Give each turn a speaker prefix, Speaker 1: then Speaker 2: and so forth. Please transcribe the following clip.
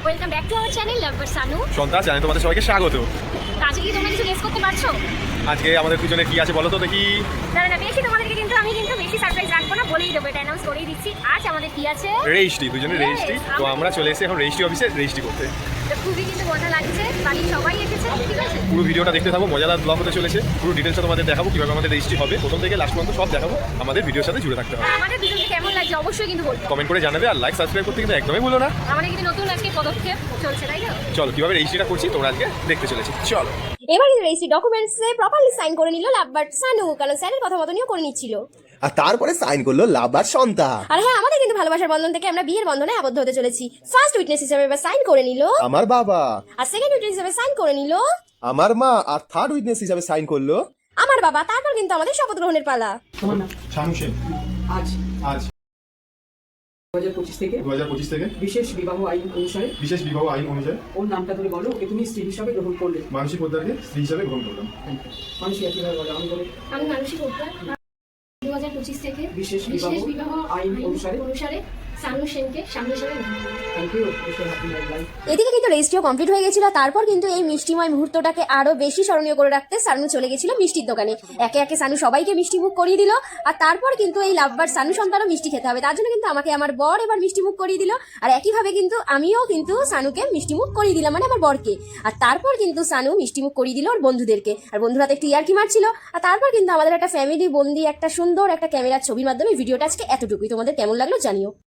Speaker 1: Welcome back to our channel Lovebar Sanu.
Speaker 2: সন্তান জানেন তোমাদের সবাইকে স্বাগত।
Speaker 1: আজকে কি তোমরা কিছু গেস করতে পারছো?
Speaker 2: আজকে আমাদের পিছনে কি আছে বলো তো দেখি।
Speaker 1: না বেশি তোমাদেরকে কিন্তু আমি বেশি সারপ্রাইজ রাখবো না, বলেই দেবো, এটা অ্যানাউন্স করেই দিচ্ছি। আজ আমাদের কি আছে?
Speaker 2: রেজিস্ট্রি, দুজনে রেজিস্ট্রি। তো আমরা চলে এসেছি এখন রেজিস্ট্রি অফিসে রেজিস্ট্রি করতে।
Speaker 1: তো খুবই কিন্তু মজা লাগছে, বাড়ির সবাই এসেছে, ঠিক আছে?
Speaker 2: পুরো ভিডিওটা দেখতে থাকো, মজাদার ব্লগ হতে চলেছে। পুরো ডিটেলসটা তোমাদের দেখাবো কিভাবে আমাদের রেজিস্ট্রি হবে, প্রথম থেকে লাস্ট পর্যন্ত সব দেখাবো। আমাদের ভিডিওর সাথে জুড়ে থাকতে হবে।
Speaker 1: আর আমাদের দুজনকে কেমন লাগছে অবশ্যই কিন্তু বলবো,
Speaker 2: কমেন্ট করে জানাবে, আর লাইক সাবস্ক্রাইব করতে কিন্তু একদমই ভুলো না।
Speaker 1: আমাদের কিন্তু নতুন আজকে পদক্ষেপ চলছে, তাই তো?
Speaker 2: চলো কিভাবে রেজিস্ট্রিটা করছি তোমরা আজকে দেখতে চলেছি, চলো।
Speaker 3: এবার কিন্তু রেজিস্ট্রি ডকুমেন্টসে প্রপারলি সাইন করে নিল লাভবার সানু, কারণ স্যারের কথা মতো নিয়েও করে নিচ্ছিল।
Speaker 4: আর তারপরে সাইন করলো লাভার সন্তান।
Speaker 3: আর হ্যাঁ, আমাদের কিন্তু ভালোবাসার বন্ধন থেকে আমরা বিয়ের বন্ধনে আবদ্ধ হতে চলেছি। ফার্স্ট উইটনেস হিসেবে এবার সাইন করে নিল
Speaker 4: আমার বাবা,
Speaker 3: আর সেকেন্ড উইটনেস হিসেবে সাইন করে নিল
Speaker 4: আমার মা, আর থার্ড উইটনেস হিসাবে সাইন করলো
Speaker 3: আমার বাবা। তারপর কিন্তু আমাদের শপথ গ্রহণের পালা।
Speaker 5: তোমার নাম?
Speaker 2: শানু সেন।
Speaker 5: আজ
Speaker 2: আজ
Speaker 5: 2025 থেকে
Speaker 2: 2025 থেকে
Speaker 5: বিশেষ বিবাহ আইন অনুসারে
Speaker 2: বিশেষ বিবাহ আইন অনুযায়ী
Speaker 5: ওর নামটা তুমি বলো, ওকে তুমি স্ত্রী হিসাবে গ্রহণ করলে।
Speaker 2: মানসিক পোদ্দারকে স্ত্রী হিসাবে গ্রহণ করলাম।
Speaker 5: মানুষ একইভাবে বলো, আমি বলে
Speaker 1: আমি মানসিক পোদ্দার 2025 থেকে
Speaker 5: বিশেষ বিবাহ আইন অনুসারে
Speaker 1: সানু সেনকে স্বামী হিসেবে
Speaker 5: থ্যাংক ইউ, হ্যাপি লাইফ।
Speaker 3: এদিকে কিন্তু রেজিস্ট্রিও কমপ্লিট হয়ে গেছিল। তারপর কিন্তু এই মিষ্টিময় মুহূর্তটাকে আরো বেশি স্মরণীয় করে রাখতে সানু চলে গেছিল মিষ্টির দোকানে। একে একে সানু সবাইকে মিষ্টি মুখ করিয়ে দিল। আর তারপর কিন্তু এই লাভবার সানু সন্তানও মিষ্টি খেতে হবে, তার জন্য কিন্তু আমাকে আমার বর এবার মিষ্টি মুখ করিয়ে দিল। আর একইভাবে কিন্তু আমিও কিন্তু সানুকে মিষ্টি মুখ করিয়ে দিলাম, মানে আমার বরকে। আর তারপর কিন্তু সানু মিষ্টি মুখ করিয়ে দিল ওর বন্ধুদেরকে, আর বন্ধুরা তো একটু ইয়ার্কি মারছিল। আর তারপর কিন্তু আমাদের একটা ফ্যামিলি বন্দি একটা সুন্দর একটা ক্যামেরার ছবির মাধ্যমে ভিডিওটা আজকে এতটুকুই। তোমাদের কেমন লাগলো জানিও।